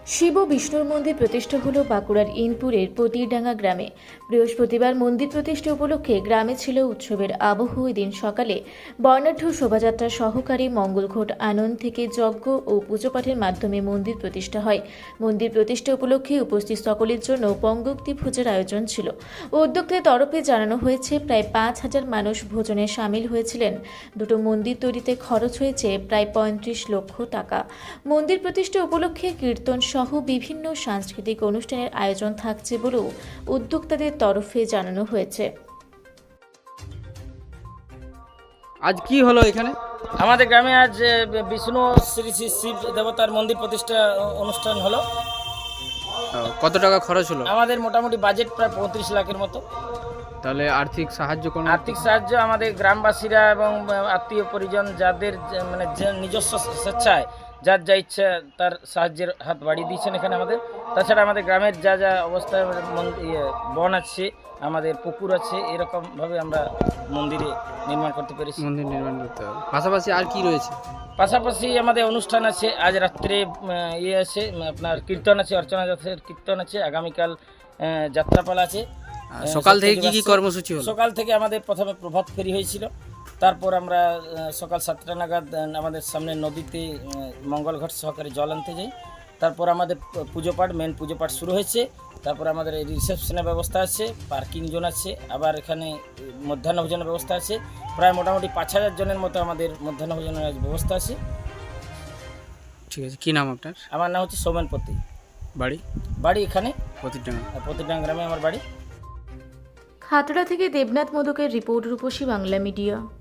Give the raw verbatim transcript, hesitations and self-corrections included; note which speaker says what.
Speaker 1: শিব ও বিষ্ণুর মন্দির প্রতিষ্ঠা হলো বাঁকুড়ার ইনপুরের পতিরডাঙ্গা গ্রামে। বৃহস্পতিবার মন্দির প্রতিষ্ঠা উপলক্ষে গ্রামে ছিল উৎসবের আবহ। ওই দিন সকালে বর্ণাঢ্য শোভাযাত্রা সহকারী মঙ্গলঘট আনন্দ থেকে যজ্ঞ ও পুজোপাঠের মাধ্যমে মন্দির প্রতিষ্ঠা হয়। মন্দির প্রতিষ্ঠা উপলক্ষে উপস্থিত সকলের জন্য পঙ্গক্তি ভোজের আয়োজন ছিল। উদ্যোক্তাদের তরফে জানানো হয়েছে প্রায় পাঁচ হাজার মানুষ ভোজনে সামিল হয়েছিলেন। দুটো মন্দির তৈরিতে খরচ হয়েছে প্রায় পঁয়ত্রিশ লক্ষ টাকা। মন্দির প্রতিষ্ঠা উপলক্ষে কীর্তন সহ বিভিন্ন সাংস্কৃতিক অনুষ্ঠানের আয়োজন থাকছে বলেও উদ্যোক্তাদের তরফে জানানো হয়েছে।
Speaker 2: আজ কি হলো এখানে?
Speaker 3: আমাদের গ্রামে আজ বিষ্ণু শ্রী শ্রী শিব দেবতার মন্দির প্রতিষ্ঠা অনুষ্ঠান হলো।
Speaker 2: কত টাকা খরচ হলো?
Speaker 3: আমাদের মোটামুটি বাজেট প্রায় পঁয়ত্রিশ লাখের মতো।
Speaker 2: তাহলে আর্থিক সাহায্য কোন?
Speaker 3: আর্থিক সাহায্য আমাদের গ্রামবাসীরা এবং আত্মীয় পরিজন যাদের মানে নিজস্ব স্বেচ্ছায় যার যা ইচ্ছা তার সাহায্যের হাত বাড়িয়ে দিয়েছেন এখানে আমাদের। তাছাড়া আমাদের গ্রামের যা যা অবস্থায় বন আছে, আমাদের পুকুর আছে, এরকমভাবে আমরা মন্দিরে নির্মাণ করতে পেরেছি।
Speaker 2: মন্দির নির্মাণ করতে হবে। পাশাপাশি আর কি রয়েছে?
Speaker 3: পাশাপাশি আমাদের অনুষ্ঠান আছে। আজ রাত্রে ইয়ে আছে, আপনার কীর্তন আছে, অর্চনা যাত্রার কীর্তন আছে। আগামীকাল যাত্রাপালা আছে।
Speaker 2: সকাল থেকে কি কি কর্মসূচি হলো?
Speaker 3: সকাল থেকে আমাদের প্রথমে প্রভাত ফেরি হয়েছিল। তারপর আমরা সকাল সাতটা নাগাদ আমাদের সামনে নদীতে মঙ্গলঘট সহকারে জল আনতে যাই। তারপর আমাদের পুজো পাঠ মেন পুজো পাঠ শুরু হয়েছে। তারপর আমাদের রিসেপশনের ব্যবস্থা আছে, পার্কিং জোন আছে, আবার এখানে মধ্যাহ্ন ভোজনের ব্যবস্থা আছে। প্রায় মোটামুটি পাঁচ হাজার জনের মতো আমাদের মধ্যাহ্ন ভোজনের ব্যবস্থা আছে।
Speaker 2: ঠিক আছে, কি নাম আপনার?
Speaker 3: আমার নাম হচ্ছে সৌমেনপতি।
Speaker 2: বাড়ি?
Speaker 3: বাড়ি এখানে
Speaker 2: পতিরডাঙ্গা।
Speaker 3: পতিরডাঙ্গা গ্রামে আমার বাড়ি।
Speaker 1: খাতড়া থেকে দেবনাথ মোদকের রিপোর্ট, রূপসী বাংলা মিডিয়া।